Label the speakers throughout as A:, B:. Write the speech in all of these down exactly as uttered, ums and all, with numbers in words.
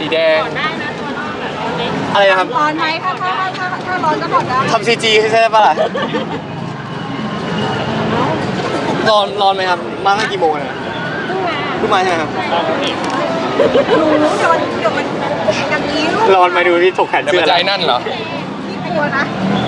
A: สีแดง
B: ได้นะตัวน้องแบบเล็ก
C: อะไรนะครับ
B: ร้อนไหมถ้าถ้าถ้าถ้าร้อนก็ถอดได้
C: ทำซีจีใช่ไหมปะล่ะร้อนร้อนไหมครับมาตั้งกี่โมงเนี่ย
B: เพิ่งมา
C: เพิ่งมาใช่ไหมครับ
B: รู้เดี๋ยวมันเดี๋ยวมันอย่างนี้ลูก
C: ร้อนไหมดูที่ถกแขน
A: จะ
C: เสื้
A: เป็
C: อน
A: ใจนั่นเหรอ
B: พี่กลัวนะ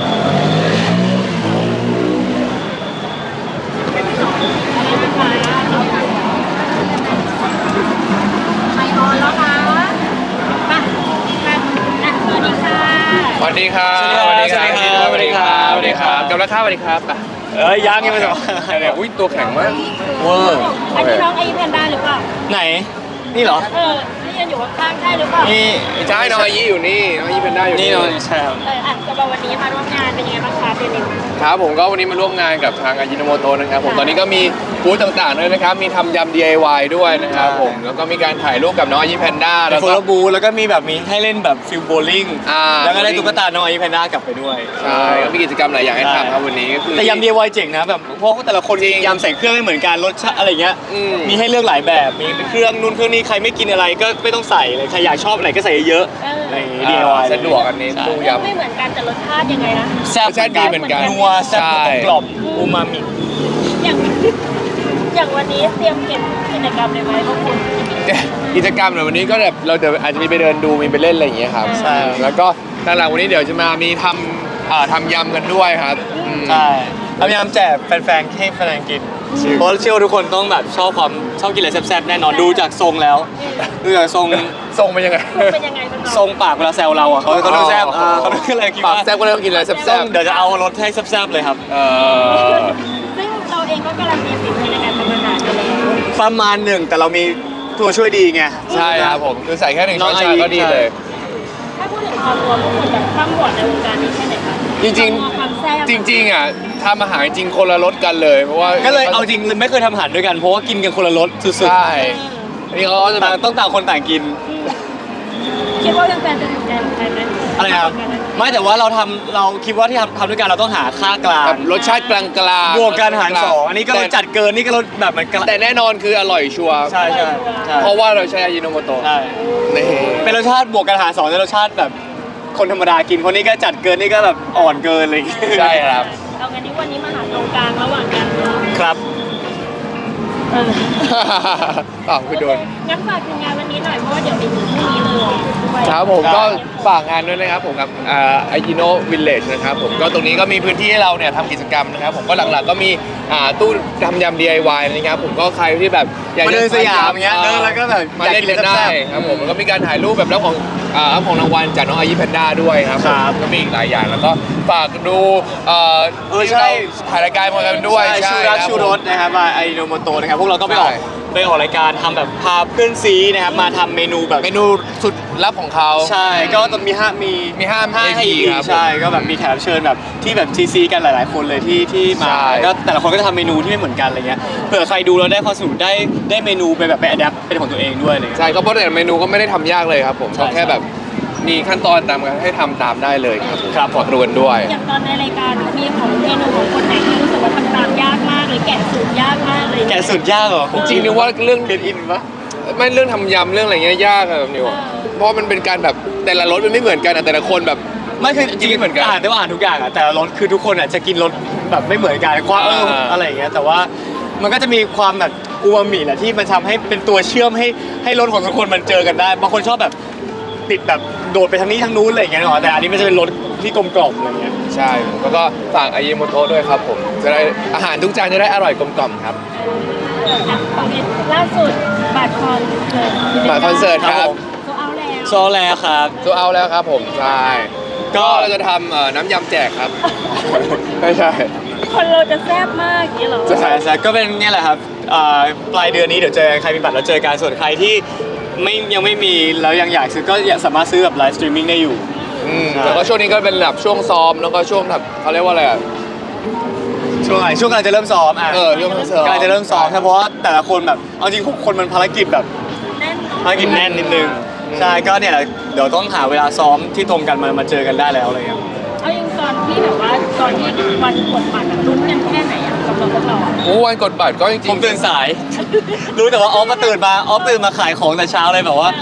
B: ไม่ร้อนแล้วนะมามาอ่ะสวัสดีค่ะ
A: สวัสดีครับ
C: สวัสดีครับ
A: สวัสดีครับสวัสดีครับกับราคาสวัสดีครับอ่ะ
C: เอ้ยยังยังไม่จบ
A: เดี๋ยวอุ้ยตัวแข็งมาก
C: เวอร์
B: อันนี้น้องไอแพนด้าหรือเปล่า
C: ไหนนี่เหรอ
B: เออที่ยืนอยู่ข้างๆใช่หรือเปล่า
C: นี่
A: ใช่น้องอายี่อยู่นี่น้องอายี่เป็นได้อยู่
C: นี่เนาะใช่ครับ
B: เอออ่ะสำหรับวันนี้มาร่วมงานเป็นยังไงบ้างคะเดนิว
A: ครับผมก็วันนี้มาร่วมงานกับทางอายิโนโมโตะนะครับผมตอนนี้ก็มีบูธต่างๆด้วยนะครับมีทำยำ ดี ไอ วาย ด้วยนะครับผมแล้วก็มีการถ่ายรูปกับน้องอายี่แพนด้า
C: แล้
A: แล้ว ว
C: โฟ
A: ก็
C: ลบูแล้วก็มีแบบมีให้เล่นแบบฟิลโบลิ่ง
A: อ่า
C: แล้วก็ได้ตุ๊กตาน้องไอแพนด้ากลับไปด้วย
A: ใช่ก็มีกิจกรรมหลายอย่างให้ทำครับวันนี้ก็คือ
C: แต่ยำ ดี ไอ วาย เจ๋งนะแบบเพราะว่าแต่ละคน
A: จริง
C: ยำใส่เครื่องไม่เหมือนกันรสชาติอะไรเงี้ย
A: อืม
C: มีให้เลือกหลายแบบมีเครื่องนู่นเครื่องนี้ใครไม่กินอะไรก็ไม่ต้องใส่เลยใครอยากชอบอะไรก็ใส่เยอะๆอะไรอย่างงี้ ดี ไอ วาย
A: สะดวกอันนี้ตู้
B: ไม่
A: ยำ
B: ไม่เหมือนกันแต่รสชาติยังไงนะ
C: แซ่บ
A: รสชาติดีเหมือนกัน
C: นัวแซ่บ
A: ใช่
C: กลมๆอูมามิ
B: อย่างอย่างวันนี้เตรียมเก็บกิจกรรมเลยไหมพวกคุณ
A: กิจกรรมในวันนี้ก็แบบเราเดี๋ยวอาจจะมีไปเดินดูมีไปเล่นอะไรอย่างเงี้ยครับ
C: ใช่
A: แล้วก็หลังๆวันนี้เดี๋ยวจะมามีทำอ่าทำยำกันด้วยครับอืม
C: ใช่พยายามแจกแฟนๆให้แฟนๆกินเพราะเชื่อว่าทุกคนต้องแบบชอบความชอบกินอะไรแซ่บๆแน่นอนดูจากทรงแล้วดูจากทรง
A: ทรงเป็นยังไง
B: เป็นยังไงบ้าง
C: ทรงปากเวลาแซวเราอ่ะเขาเขาต้องแซ่บ
A: อ๋อ
C: อ่าเขาต้องอะไรคิด
A: ปาก
C: ว่า
A: แซ่บก็เลยต้องกินอะไรแซ่
C: ต้
A: บ
C: องเดี๋ยวจะเอารสให้แซ่บๆเลยครับ
A: ๆเออ
B: ซึ่งเราเองก็การันตีฝีมือในการทำอาหารไปแล้ว
C: ประมาณหนึ่งแต่เรามีตัวช่วยดีไง
A: ใช่ครับผมคือใส่แค่หนึ่งช้อนชาก็ดีเลย
B: ถ้าพูดถึงความรวมพวกคุณแบบความบวชในวงการนี้แค่ไหนคะ
A: จริง
B: ความแซ่บ
A: ๆ จริงๆอ่ะทำอาหารจริงคนละรสกันเลยเพราะว่า
C: ก็เลยเอาจริงไม่เคยทำอาหารด้วยกันเพราะว่ากินกันคนละรสสุด
A: ใช่อันนี้เขาก็จะ
C: ๆ
A: แบ
C: ต่าง
A: บ
C: ต้องต่างคนต่างกิน
B: คิดว่าแฟนๆจะถูกใจใครไหม
C: อะไรครับไม่แต่ว่าเราทำเราคิดว่าที่ทำทำด้วยกันเราต้องหาค่ากลาง
A: แบบรสชาติกลางๆ
C: บวกกันหารสองอันนี้ก็รสจัดเกินนี่ก็รสแบบมันกลาง
A: แต่แน่นอนคืออร่อยชัวร์
C: ใช่ใช่ใช่
A: เพราะว่าเราใช้อายิโนโมโตะ
C: ใช่
A: นี่
C: เป็นรสชาติบวกกันหารสองเป็นรสชาติแบบคนธรรมดากินคนนี้ก็จัดเกินนี่ก็แบบอ่อนเกินอะไรอย่างเงี้ย
A: ใช่ครับ
B: เอางั้นนี้วันนี้มาหาตรงกลางระหว่างกันเนาะ
C: ครับ
B: เออ
A: อ้าวคือโดน
B: งั้นฝากถึงงานวันนี้หน่อยเพราะว่าเดี๋ยวไปถึงพรุ่งนี้เลยด้วย
A: ครับผม
C: ได้
A: ก็ฝากงานด้วยนะครับผมกับไอจิโนวิลเลจนะครับผมก็ตรงนี้ก็มีพื้นที่ให้เราเนี่ยทำกิจกรรมนะครับผมก็หลักๆก็มีอ่าตู้ทำยำ ดี ไอ วาย นะครับผมก็ใครที่แบบอยาก
C: มา
A: จะ
C: เดินสยามเงี้ยเดินแล้วก็แบบ
A: มา
C: อยาก
A: เล่น
C: กิน
A: กัน
C: อะไร
A: ได้
C: แซ่บๆ
A: ครับผมแล้วก็มีการถ่ายรูปแบบรับของอ่ารับของรางวัลจากน้องอายิแพนด้าด้วยครับผม
C: ครับ
A: ก็มีอีกหลายอย่างแล้วก็ฝากดูเอ่อ
C: เออใช่
A: ที่เราถ่ายรายการมากันด้วย
C: ใช่ชูรัก
A: คบ
C: ชูรสนะครับมาไอโนโมโตนะครับพวกเราก็ไปออก
A: ใช่
C: ไปออกรายการทำแบบพาเพื่อนซีนะครับมาทำเมนูแบบ
A: เมนูสุดลับของเขา
C: ใช่ก็จะมีห้ามี
A: มีห้า
C: ห้า
A: เอ
C: ให้
A: พี
C: อีก
A: ครับ
C: ใช่ก็แบบมีแขกรับเชิญแบบที่แบบทีซีกันหลาย ๆ คนเลยที่ที่มา
A: ใช่
C: ก็แต่ละคนก็จะทำเมนูที่ไม่เหมือนกันอะไรเงี้ยเผื่อใครดูแล้วได้ความสนุกได้ได้เมนูไปแบบไปอัดแอปเป็นของตัวเองด้วยอะไรเลย
A: ใช่ก็เพราะแต่เมนูก็ไม่ได้ทำยากเลยครับผม
C: ใช่
A: ก็แค่แบบมีขั้นตอนตามกันให้ทำตามได้เลยครับผม
C: ครับ
A: ขอตรวนด้วย
B: อย่างตอนในรายการมีของเมนูของคนไหนที่รู้สึกว่าทำตามยากมากหรือแกะสูตรยากมากเลย
C: แกะสุดยากเหรอ
A: จริงนึกว่าเรื่อง
C: เกนอินปะ
A: ไม่เรื่องทำยำเรื่องอะไรเงี้ยยากอะแบบนิวเพราะมันเป็นการแบบแต่ละรสมันไม่เหมือนกันอะแต่ละคนแบบ
C: ไม่คือจริง
A: ไม่เหมือนกัน
C: อ่านได้ว่าอ่านทุกอย่างอะแต่ละรสคือทุกคนอะจะกินรสแบบไม่เหมือนกันความเออ
A: อ่า
C: อะไรอย่างเงี้ยแต่ว่ามันก็จะมีความแบบอูมามิแหละที่มันทำให้เป็นตัวเชื่อมให้ให้รสของทุกคนมันเจอกันได้บางคนชอบแบบติดแบบโดดไปทางนี้ทางนู้นอะไรอย่างเงี้ยหรอแต่อันนี้มันจะเป็นรสที่กลมกล่อมอะไรอย่างเงี้ย
A: ใช่แล้วก็ฝากอายิโมโตะด้วยครับผมจะได้อาหารทุกจานจะได้อร่อยกลมกล่อมครับ
B: อ่ะโอเคล่าสุดบัตรคอนเสิร์ต
A: บัตรคอนเสิร์ตครับ
B: โซเอาแล้ว
C: โซแลครับ
A: ตัวเอาแล้วครับผมใช่
C: ก็
A: ก็เราจะทำเอ่อน้ำยำแจกครับ ไม่ใช่
B: คนเราจะแซ่บมากอย่างนี้เหรอ
C: ใช่ใช่ก็เป็นเนี่ยแหละครับอ่าปลายเดือนนี้เดี๋ยวเจอกันใครมีบัตรแล้วเจอกันส่วนใครที่ไม่ยังไม่มีแล้วยังอยากซื้อก็สามารถซื้อแบบไลฟ์สตรีมมิ่งได้อยู่
A: อืม
C: ใช่
A: แล้วก็ช่วงนี้ก็เป็นแบบช่วงซ้อมแล้วก็ช่วงแบบเขาเรียกว่าอะไรอะ
C: ช่วงไหนช่วงกำลังจะเริ่มซ้อมอ่ะ
A: เออช่วงซ้อม
C: กำลังจะเริ่มซ้อมใช่เพราะว่าแต่ละคนแบบเอาจริงคนมันภารกิจแบบ
B: แน่น
C: ภารกิจแน่นนิดนึงใช่ก็เนี่ยแหละเดี๋ยวต้องหาเวลาซ้อมที่ตรงกันมามาเจอกันได้แล้วอะไรเงี้ย
B: เอายิงตอนที่แบบว่าตอนที่วันกดบัตรอะลุ้นกันแค่ไหนอะสำหรับพวกเราอะ
A: โอ้วันกดบัตรก็จริงๆ
C: ผมตื่นสาย รู้แต่ว่าออฟมาตื่นมาออฟตื่นมาขายของแต่เช้าเลยแบบว่า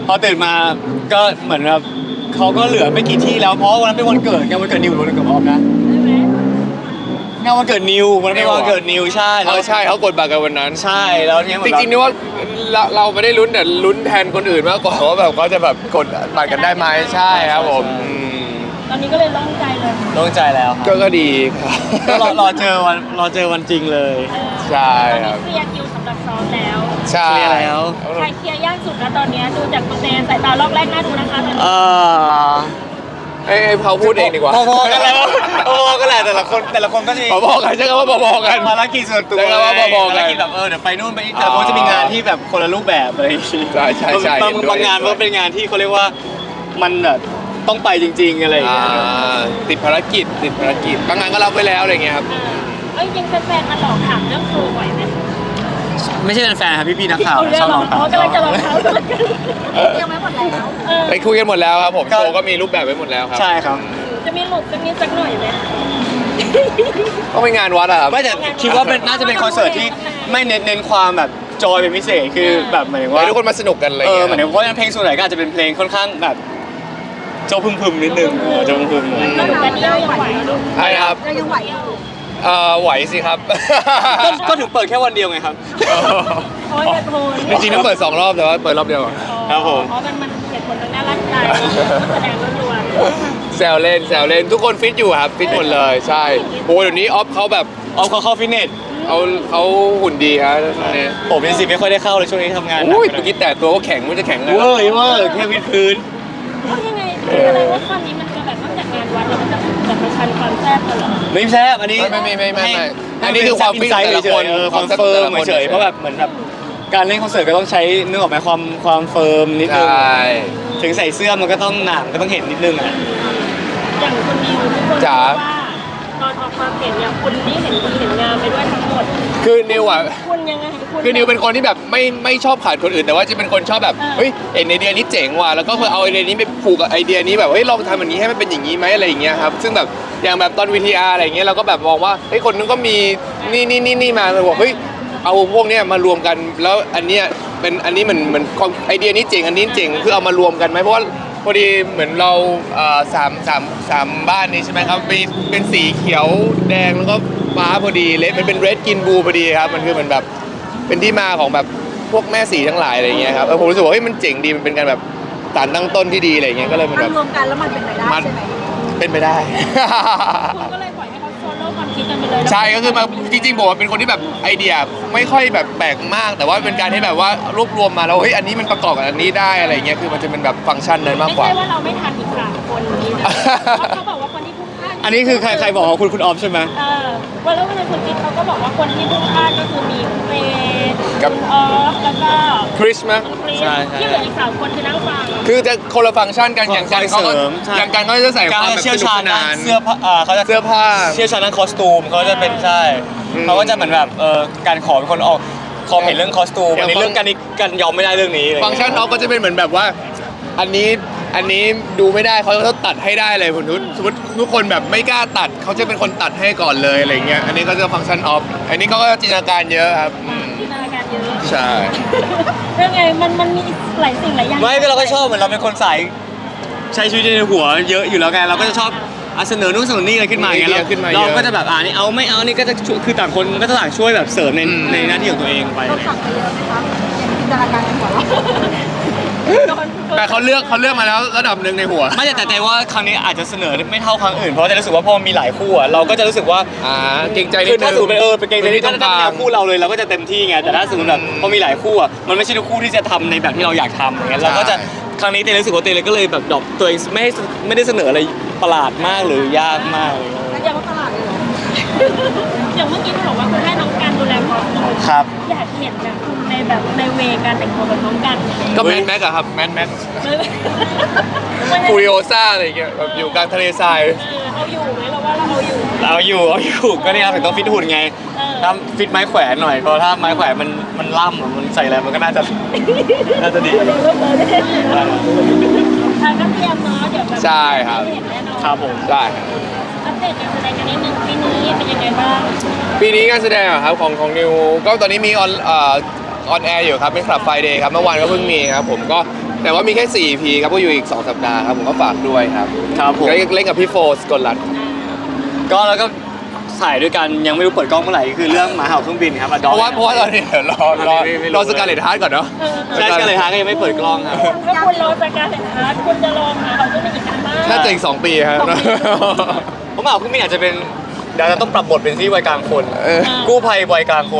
C: พอตื่นมาก็เหมือนแบบเขาก็เหลือไม่กี่ที่แล้วเพราะวันนั้นเป็นวันเกิดงานวันเกิดนิวหรือวันเกิดออมนะ
B: ได้ไหม
C: งานวันเกิดนิววันนั้นเป็นวันเกิดนิวใช่
A: เอ
C: แล้ว
A: อใช่เขากดบัตรกันวันนั้น
C: ใช่แล้วเนี่ยเหมื
A: จ
C: อน
A: ริงๆนี่ว่าเราเราไม่ได้ลุ้นแต่ลุ้นแทนคนอื่นมากกว่าว่าแบบเขาจะแบบกดบัตรกันได้ไหมใช่ครับผมอืม
B: ตอนนี้ก็เลยโล่งใจเลย
C: โล่งใจแล้วค
A: ก็
C: รับ
A: ก็ดีครับ
C: ก็รอรอเจอวันรอเจอวันจริงเลย
B: เออ
A: ใช่ครับ
B: ตอนนี้เคลียร์คิวสำหรับซ้อมแล้ว
A: ใช่
C: เคลียร์แล้ว
B: ใครเคลียร์ยากสุดแล้วตอนนี้ดูจากคะแนนสายตาลอกแรกน่าดูนะคะตอน
C: เอ
B: นี้
C: อ
A: ให้ให้เขาพูดเองดีกว่า
C: พอๆกันแหละพอๆกันแหละแต่ละคนแต่ละคนก็จะมี
A: พอๆกันใช่ไหมว่าพอๆกัน
C: ภารกิจส่วนตัว
A: ใช่ครับว่าพอๆกัน
C: ภารกิจแบบเออเดี๋ยวไปนู่นไปนี่แต่ละคนจะมีงานที่แบบคนละรูปแบบอะไรอย่างงี้
A: ใช่ใช่ใช่
C: บาง
A: เห็นด้วย
C: บางงานมันก็เป็นงานที่เขาเรียกว่ามันแบบต้องไปจริง ๆอะไรอย่าง
A: อ่า
C: เงี้ย
A: ติดภารกิจติดภารกิจบางงานก็รับไว้แล้วอะไรเงี้ยครับ
B: เออเอ้ยยังแฟนๆมาหลอกถามเรื่องครูไหวไหม
C: ไม่ใช่เป็นแฟนครับพี่ๆนักข่าว
B: เอาเรื่
C: ช
B: อ
C: อง บ
B: ร
C: ล
B: อ
C: อง งถาม
B: เขากำลังจะรองเท้ากันยังไม่หมดแล้วเออ
A: ไปคุยกันหมดแล้วครับผม
C: ก็
A: โชว์ก็มีรูปแบบไว้หมดแล้วครับ
C: ใช่ครับ
B: จะมีหลุดสักนิดสักหน่อยไหม
A: ต้องไปงานวัดอะครับ
C: ไม่แต่คิดว่าเป็นน่าจะเป็นคอนเสิร์ตที่ไม่เน้นเน้นความแบบจอยเป็นพิเศษคือแบบหมายถึงว่า
A: ให้ทุกคนมาสนุกกันอะไร
C: เออ
A: เงี้ย
C: หมายถึงเพราะเพลงส่วนใหญ่ก็อาจจะเป็นเพลงค่อนข้างแบบโจพึมพึมๆนิดนึงเออโจพึมพึมๆ
B: แล้วหนูกันเดียวยังไหวลูก
A: ใช่ครับ
B: เรายังไหวอยู่
A: เอ่อไหวสิครับ
C: ก็ก็ถึงเปิดแค่วันเดียวไงครับ
B: โอ้ยโทน
A: จริงๆต้องเปิดสองรอบแต่ว่าเปิดรอบเดียวก่อน
C: ครับผม
B: เพราะมันมันเหตุผลทางด้านร่างกายแสดงล้วน
A: แซวเล่นแซวเล่นทุกคนฟิตอยู่ครับฟิตหมดเลยใช่โอ้เดี๋ยวนี้ออฟเขาแบบ
C: เอาเขาเข้าฟิตเนส
A: เขาเขาหุ่นดีครับตอนนี้
C: ผมเป็นสิไม่ค่อยได้เข้าเลยช่วงนี้ทำงานหนัก
A: อุ้ย
C: ไปหน่
A: เมื่อกี้แต่ตัวก็แข็งมันจะแข็งไง
C: เวอร์เวอร์แค่วิดพื้น
B: ๆเพราะยังไงแสดงว่าตอนนี้มันจะแบบนอกจากงานวัดแล้วมันจะแบบประชันความแซ่บกันเหรอ
C: ไม่แซ่บอันนี้
A: ไม่ไม่ไม่ไม่ไม่
C: ให้
A: อันนี้คือความฟิต
C: ใจ
A: ของแต่ละ
C: เฉ
A: คน
C: ยๆเออความเฟิร์มเฉยๆเพราะแบบเหมือนแบบการเล่นคอนเสิร์ตก็ต้องใช้นึกออกไหมความความเฟิร์มนิด
A: ใช
C: นึง่ ถึงใส่เสื้อมันก็ต้องหนังก็ต้องเห็นนิดนึงอ่ะ
B: อย่างคนนิวทุกคน
A: จ๋า
B: รู้ว่าตอนออกความเห็นเนี่ยคุณนี่เห็นดีเห็นงามไปด้วยทั้งหมด
A: คือนิวอ่ะ
B: คุณยังไงคุณ
A: คือนิวเป็นคนที่แบบไม่ไม่ชอบขาดคนอื่นแต่ว่าจะเป็นคนชอบแบบ
B: เออ
A: เฮ้ยเห็นไอเดียนี้เจ๋งว่ะแล้วก็คือเอาไอเดียนี้ไปผูกกับไอเดียนี้แบบเฮ้ยลองทำแบบนี้ให้มันเป็นอย่างนี้ไหมอะไรอย่างเงี้ยครับซึ่งแบบอย่างแบบตอนวีทีอาร์อะไรอย่างเงี้ยเราก็แบบมองว่าเฮ้ยคนนึงก็มีนี่นี่นี่นี่มาเราบอกเฮ้ยเอาพวกเนี้ยมารวมกันแล้วอันเนี้ยเป็นอันนี้เหมือนเหมือนไอเดียนี้เจ๋งอันนี้เจ๋งคือเอามารวมกันไหมเพราะว่าพอดีเหมือนเราเอ่อสามสามสามบ้านนี้ใช่ไหมครับมีเป็นสีเขียวแดงแล้วก็ฟ้าพอดีเลดมันเป็นเรดกินบูพอดีครับมันคือเหมือนแบบ เป็นที่มาของแบบพวกแม่สีทั้งหลายอะไรเงี้ยครับเออผมรู้สึกว่าเฮ้ยมันเจ๋งดีมันเป็นการแบบสารตั้งต้นที่ดีอะไรเงี้ยก็เลยมัน
D: มั
A: แบ
D: น
A: บ
D: รวมกันแล้วมันเป็นไปได้
A: มัน
D: ใช่ไหม
A: เป็นไปได้
B: คุณก็เลยปล่อยให้เขาโซโล่ความคิดกันไปเลย
A: ใช่ก็คือมาจริงๆผมเป็นคนที่แบบไอเดียไม่ค่อยแบบแปลกมาก แต่ว่าเป็นการที่แบบว่ารวบรวมมาแล้วเฮ้ยอันนี้มันประกอบกับอันนี้ได้อะไรเงี้ยคือมันจะเป็นแบบฟังก์ชันนั้นมาก
B: ไม่
A: กว่า
B: ใช่ว่าเราไม่ทันอีกสามคนนี้นะเพราะเขาบอกว่าคนที่พุ่งพลาด
C: อันนี้คือใครใครบอกว่าคุณคุณออฟใช่ไหม
B: เออวันแล้ววันนั้นคุณกิ๊กเขาก็บอกว่าคนที่พุ่งพลาดก็คือมีเฟย์
A: กับ
B: คุณออฟแล้วก็
A: คริสมั้ย
B: คริส
C: ใช่ใช่
B: ที่เหลืออีกสามคนคือนั่งฟัง
A: คือจะคนละฟังก์ชันกันอย่างกันเขาก็
C: เสริมใช่
A: อย่างกันเขาจะใส่ความแบบ
C: เชี่
A: ส
C: ยว
A: นุก
C: ชา
A: ส
C: ญด้าน
A: าน
C: เสื้อผ้าอ่าเขาจะ
A: เสื้อผ้า
C: เชี่ยวชาญด้านคอสตูมเขาจะเป็นใช่
A: อืม
C: เขาก็จะเหมือนแบบเออการขอเป็นคนออกขอเห็นเรื่องคอสตูม
A: อย่าง
C: อันนี้
A: ฟัง
C: เรื่องการนี้การยอมไม่ได้เรื่องนี้อะไร
A: ฟังก์ชันออฟก็จะเป็นเหมือนแบบว่า อันนี้อันนี้ดูไม่ได้เขาจะตัดให้ได้เลยผมทุกสมมติทุกคนแบบไม่กล้าตัดเขาจะเป็นคนตัดให้ก่อนเลยอะไรเงี้ยอันนี้ก็จะฟังก์ชันออฟอันนี้เขาก็จินตนาการเยอะครับอืม
B: จินตนาการเยอะ
A: ใช่
B: เรื่องไงมันมันมีหลายสิ่งหลายอย่าง
C: ไม่ก็เราก็ชอบเหมือนเราเป็นคนสายใช้ชีวิตในหัวเยอะอยู่แล้วไงเราก็จะชอบอ่ะเสนอนู่นเสนอนี่อะไรขึ้นมาอย่างเงี้ย
A: มีไอเดียขึ้นมาเย
C: เรา
A: อะ
C: ก็จะแบบอ่านี่เอาไม่เอานี่ก็จะช่วยคือต่างคนก็จะต่างช่วยแบบเสริมใน
A: อืม
C: ในหน้าที่ของตัวเองไป
D: เราสั่งไปเยอะไหมคะอย่างจินตนาการในหัวเรา
A: แต่เขาเลือกเขาเลือกมาแล้วระดับหนึ่งในหัว
C: ไม่แต่แต่แต่ว่าครั้งนี้อาจจะเสนอไม่เท่าครั้งอื่นเพราะจะรู้สึกว่าพอมีหลายคู่อ่ะเราก็จะรู้สึกว่า
A: อ่าเกรงใจนิ
C: คื
A: ด
C: อ
A: นึ
C: ถ้าง สมมติเป็นเออเป็นเกงในที่ถ้า
A: ตรงก
C: ถ้า
A: ลา
C: แน
A: ง
C: วคู่เราเลยเราก็จะเต็มที่ไงแต่ถ้าสมมติแบบ
A: อืม
C: พอมีหลายคู่อ่ะมันไม่ใช่ทุกคู่ที่จะทำในแบบที่เราอยากทำอย่างเงี้ยเราก็จะครั้งนี้เตยรู้สึกว่าเตยเลยก็เลยแบบดรอปตัวเองไม่ให้ไม่ได้เสนออะไรประหลาดมากหรือยากมากเลย
D: แล้วยังว่าตลาดเลยเหรอ
B: อย่างเมื่อกี้คุณบอกว่าคุณให้น้องการดูแลครอบครัว
C: ครับ
B: อยากเห็นนะคุณในแบบในเวการแต่งตัวแบบน้องกัน
A: ก็แมนแม็กอะครับแมนแม็กฟูริโอซ่าอะไรอย่างเงี้ยแบบอยู่กลางทะเลทราย
B: เอาอยู่ไหมเราว่าเราเอาอยู่
C: เอาอยู่เอาอยู่ก็นี่ครับถึงต้องฟิตหุ่นไง
B: เออ
C: ถ้าฟิตไม้แขวนหน่อยเพราะถ้าไม้แขวนมันมันล่ำอะมันใส่อะไรมันก็น่าจะน่าจะดี
B: เดี๋ยวเราเปิดได้ทางก็เตรียมเนาะเดี๋ยวแบบ
A: ใช่ครับ
B: เห็นแน่นอน
C: ครับผม
A: ได้ครับ
B: อัปเดตการแสดงกันนิดนึงปีนี้เป็นยังไงบ้าง
A: ปีนี้การแสดงอะครับของของนิวก็ตอนนี้มีออนเอ่อออนแอร์อยู่ครับเป็นคลับไฟเดย์ครับเมื่อวานก็เพิ่งมีครับผมก็แต่ว่ามีแค่สี่ อี พีครับก็อยู่อีกสองสัปดาห์ครับผมก็ฝากด้วยครับ
C: ครับผม
A: ก็เล่นกับพี่โฟสกลรัตน์
C: ก็แล้วก็ถ่ายด้วยกันยังไม่รู้เปิดกล้องเมื่อไหร่คือเรื่องหมาเห่าเครื่องบินครับ
A: เพราะว่าเพราะว่าตอนนี้เดี๋ยวรอรอรอสการ์เลตฮาร์ดก่อนเนาะ
C: ใช่กันเลยฮะก็ยังไม่เปิดกล้องครับ
B: ถ้าคุณรอจากการเห็นอาร์ตคุณจะลองนะเขาจะมีอีกนานมาก
A: น่าจะอีกสองปีครับ
C: เพราะหมาเห่าเครื่องบินอาจจะเป็นเดี๋ยวเราต้องปรับบทเป็นที่วัยกลางคน
A: เออ
C: กู้ภัยวัยกลางคน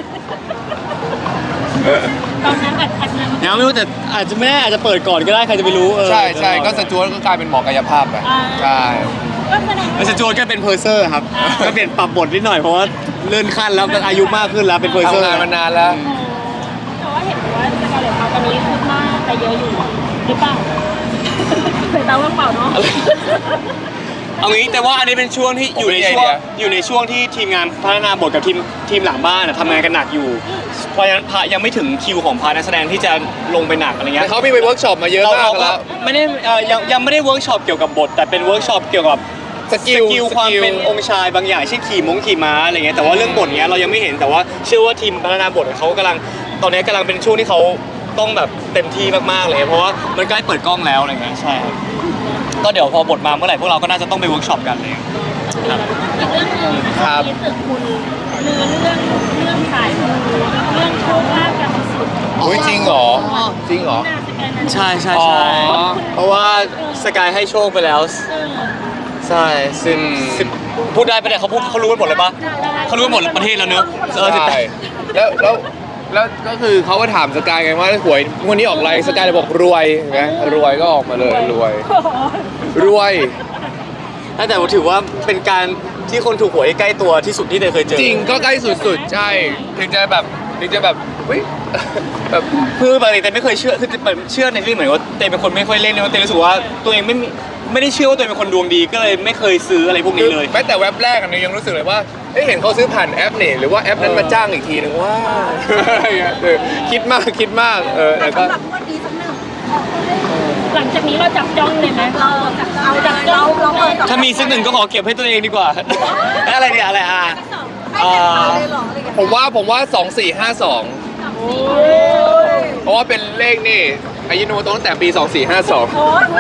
B: ตอนนั้นอัดอัดนั้น
C: ยังไม่รู้แต่อาจจะไม่แน่อาจจะเปิดก่อนก็ได้ใครจะไปรู้เออ
A: ใช่ใช่ก็สจวตก็กลายเป็นหมอกายภาพไปใช่
B: ก็แสดง
C: แล้วสจวตก็เป็นเพอร์เซอร์ครับก็เปลี่ยนปรับบทนิดหน่อยเพราะว่าเลื่อนขั้นแล้วก็อายุมากขึ้นแล้วเป็นเพอร์เซอร์
A: ทำงานมานานแล้ว
B: แต่ว่าเห็นว่าสกาเลตเขาตอนนี้คืบหน้าแต่เยอะอยู่หรือเปล่าเผยตาว่างเปล่าเนาะ
C: เอางี้แต่ว่าอันนี้เป็นช่วงที่อยู่ในช่วงอยู่ในช่วงที่ทีมงานพัฒนาบทกับทีมทีมหลังบ้านอะทำงานกันหนักอยู่ เพราะฉะนั้นพระยังไม่ถึงคิวของพาร์ทนักแสดงที่จะลงไปหนักอะไรเงี้
A: แต่
C: ย
A: เขามีไปเวิร์กช็อปมาเยอะ
C: เรา
A: มาก
C: เราก็
A: แล้ว
C: ไม่ได้เอ่อยังยังไม่ได้เวิร์กช็อปเกี่ยวกับบท แต่เป็นเวิร์กช็อปเกี่ยวกับ
A: สกิล
C: สกิลความเป็นองค์ชายบางอย่างเช่นขี่มงขี่ม้าอะไรเงี้ยแต่ว่าเรื่องบทเนี้ยเรายังไม่เห็นแต่ว่าเชื่อว่าทีมพัฒนาบทเขากำลังตอนนี้กำลังเป็นช่วงที่เขาต้องแบบเต็มที่มากๆเลยเพราะว่ามันใกล้เปิดกล้องแล้วอะไรเงี้ยใช่ครับก็เดี๋ยวพอบทมาเมื่อไหร่พวกเราก็น่าจะต้องไปเวิร์กช็อปกันเลยครับ
B: อีกเรื่องหนึ่ง
A: ครับ
B: ที่ตึกคุณเรือเรื่องเรื่องสายมูเรื่องโชคลาภกันสุด
A: โอ้ยจริงเหรอจริงเหรอ
B: น่าจะกันนั้น
C: ใช่ใช่
A: อ๋อ
C: ใช่เพราะว่าสกายให้โชคไปแล้ว
B: เออ
C: ใช่สิบ
A: อืม
C: สิบพูดได้ปะเนี่ยเขาพูดเขารู้กันหมดเลยปะเขารู้กันหมดประเทศแล้วเนอะเออสิบแป
A: ใช่
C: ด
A: แล้วแล้วแล้วก็คือเขาก็ถามสกายไงว่าหวยงวันนี้ออกอะไรสกายเลยบอกรวยเห็นไหมรวยก็ออกมาเลยรวย
B: โอ้โห
A: รวย
C: แต่ผมถือว่าเป็นการที่คนถูกหวยใกล้ตัวที่สุดที่เตยเคยเจอ
A: จริงก็ใกล้สุดๆ ใช่ ถึงจะแบบถึงจะแบบเฮ้ยแบบ
C: คือปกติเตยไม่เคยเชื่อคือเหมือนเชื่อในที่เหมือนว่าเตยเป็นคนไม่ค่อยเล่นเลยว่าเตยรู้สึกว่าตัวเองไม่มีไม่ได้เชื่อว่าตัวเองเป็นคนดวงดีก็เลยไม่เคยซื้ออะไรพวกนี้เลย
A: แม้แต่เว็บแรกอันนี้ยังรู้สึกเลยว่าเอ้ยเห็นเขาซื้อผ่านแอปนี่หรือว่าแอปนั้นมาจ้างอีกทีนึงว่าเออคิดมากคิดมากเออแต่ก็
D: สำหรับงวันนี้สักหนึ่ง
B: หลังจากนี้เราจับจ้องเลยไหม
D: เราจับเอาจับเราเราเปิด
C: ถ้ามีสักหนึ่งก็ขอเก็บให้ตัวเองดีกว่า อะไรเนี่ยอะไรอ่ะ
D: ไม่เก็บเอาเลยเหรออะไรกัน
A: ผมว่าผมว่าสองสี่ห้าสองเพราะว่าเป็นเลขนี่อายุโนโมโตะตั้งแต่ปีสองสี่ห้าสอง
B: โอ้ย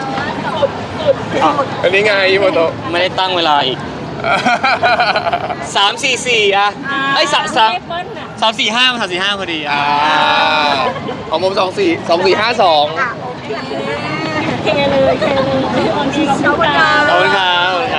A: อันนี้ไงอายุโนโมโตะ
C: ไม่ได้ตั้งเวลาอีกสามสี่สี่อ่ะไอ้ยสามสาม
B: เลขเบิ้ลน่ะ
C: สามสี่ห้ามันสามสี่ห้าพอดีอ่ะ
A: อ่าของผมสองสี่สองสี่ห้าสอง
D: อ่ะโอเค
B: เคเลยเคเลยวันนี้เรา
D: ขอบคุณค่ะ
C: ขอบคุณครับ